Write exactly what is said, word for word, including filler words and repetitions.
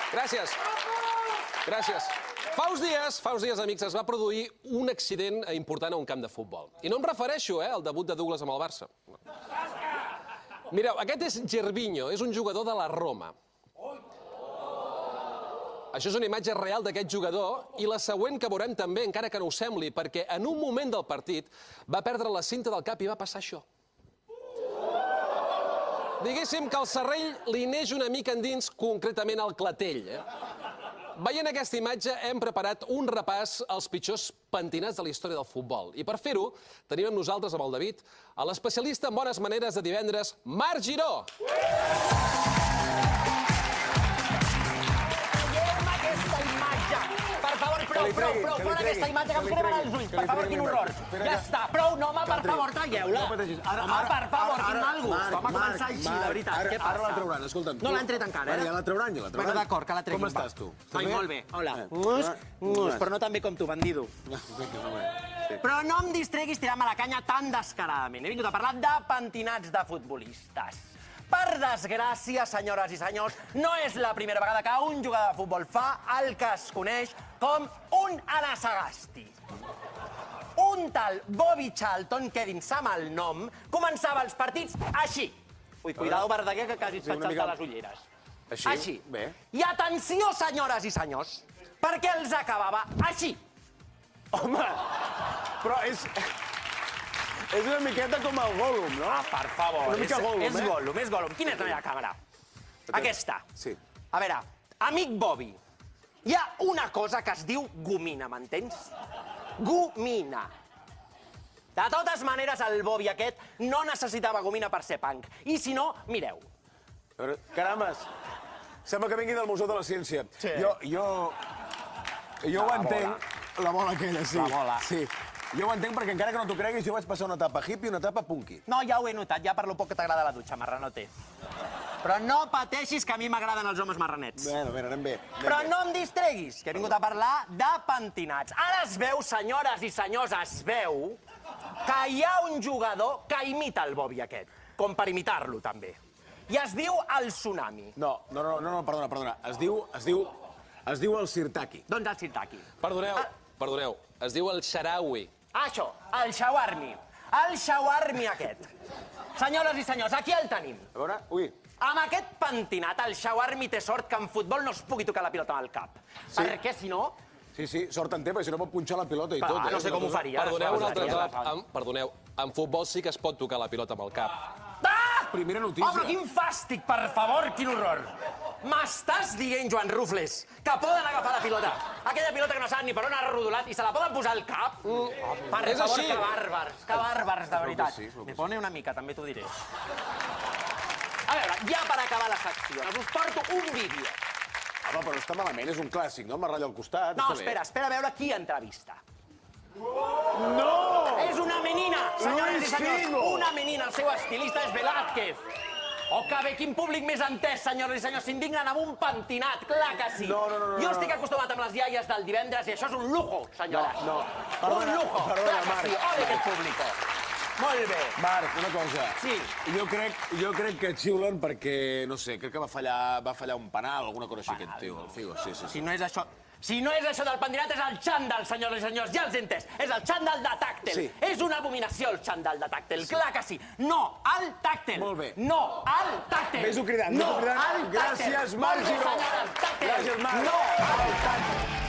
Gràcies. Gràcies. Fa uns dies, fa uns dies, amics, es va produir un accident important a un camp de futbol. I no em refereixo, eh, al debut de Douglas amb el Barça. Mireu, aquest és Gervinho, és un jugador de la Roma. Això és una imatge real d'aquest jugador i la següent que veurem també, encara que no ho sembli, perquè en un moment del partit va perdre la cinta del cap i va passar això. Diguéssim que el serrell li neix una mica endins, concretament al clatell. Eh? Veient aquesta imatge hem preparat un repàs als pitjors pentinats de la història del futbol. I per fer-ho tenim amb nosaltres, amb el David, a l'especialista en bones maneres de divendres, Marc Giró. Prou, prou, prou, fora aquesta imatge que em cremen els ulls. Per favor, quin horror. Ja està, prou, no, home, per favor, talleu-la. Home, per favor, quin mal gust. Vam a començar així, de veritat. Què passa? Ara la trauran, escolta'm. No l'han tret encara, eh? Ja la trauran, ja la trauran. Bueno, d'acord, que la treguin. Com estàs, tu? Ai, molt bé. Hola. Mus, mus, però no tan bé com tu, bandido. Però no em distreguis tirant-me la canya tan descaradament. He vingut a parlar de pentinats de futbolistes. Per desgràcia, senyores i senyors, no és la primera vegada que un jugador de futbol fa el que es coneix com un Anasagasti. Un tal Bobby Charlton, quedin-se amb el nom, començava els partits així. Ui, cuidado, Verdaguer, que quasi et faig saltar les ulleres. Així? Així. Bé. I atenció, senyores i senyors, perquè els acabava així. Home, però és... És una miqueta com el Gollum, no? Ah, per favor. Una mica Gollum, eh? És Gollum, és Gollum. Quina és la meva càmera? Aquesta. Sí. A veure, amic Bobby, hi ha una cosa que es diu gomina, m'entens? Gomina. De totes maneres, el Bobby aquest no necessitava gomina per ser punk. I si no, mireu. A veure, carambes, sembla que vingui del Museu de la Ciència. Sí. Jo, jo... Jo ho entenc. La bola aquella, sí. La bola. Sí. Jo ho entenc perquè encara que no t'ho creguis, jo vaig passar una etapa hippie i una etapa punky. No, ja ho he notat, ja per lo poc que t'agrada la dutxa, marranote. Però no pateixis que a mi m'agraden els homes marranets. Bueno, bé, anem bé. Però no em distreguis, que he vingut a parlar de pentinats. Ara es veu, senyores i senyors, es veu que hi ha un jugador que imita el Bobby aquest, com per imitar-lo, també. I es diu el Tsunami. No, no, no, no, perdona, perdona. Es diu, es diu, es diu el Sirtaki. Doncs el Sirtaki. Perdoneu, perdoneu, es diu el Sharawi. Ah, això, el Shawarmi. El Shawarmi aquest. Senyores i senyors, aquí el tenim. A veure, ui. Amb aquest pentinat, el Shawarmi té sort que en futbol no es pugui tocar la pilota amb el cap. Sí. Perquè, si no... Sí, sí, sort en té, perquè si no pot punxar la pilota i tot, eh? no sé com ho faria. Perdoneu un altre cop. En, perdoneu, en futbol sí que es pot tocar la pilota amb el cap. Ah! Primera notícia. Oh, però quin fàstic, per favor, quin horror. M'estàs dient, Joan Rufles, que poden agafar la pilota, aquella pilota que no saben ni per on ha rodolat, i se la poden posar al cap? Mm. Oh, per és favor, així. que bàrbars, que bàrbars, de veritat. Sí, Me pone una mica, també t'ho diré. A veure, ja per acabar la secció, us porto un vídeo. Home, però està malament, és un clàssic, no? M'arralla al costat. No, està bé. espera, espera a veure qui entrevista. No! És una menina, senyores Luis i senyors, Figo. una menina, el seu estilista és Velázquez. Oh, que bé, quin públic més entès, senyores i senyors, s'indignen amb un pentinat, clar que sí. No, no, no, no, jo no. estic acostumat amb les iaies del divendres i això és un lujo, senyores. No, no. Un Perdona, lujo, perdona, clar que Marc. sí. Ole, aquest público. Molt bé. Marc, una cosa. Sí. Jo crec, jo crec que xiulen perquè, no sé, crec que va fallar, va fallar un penal, alguna cosa així, aquest tio, el Figo. Sí, sí, sí. Si no és això... Si no és això del pentinat, és el xandall, senyores i senyors, ja els he entès. És el xandall de tàctel. Sí. És una abominació, el xandall de tàctel. Sí. Clar que sí. No al tàctel. Molt bé. No al tàctel. Ves-ho cridant, no ves-ho cridant. al tàctel. Gràcies, Marc Molt bé, Giró. senyores, tàctel. Gràcies, Marc. No al tàctel.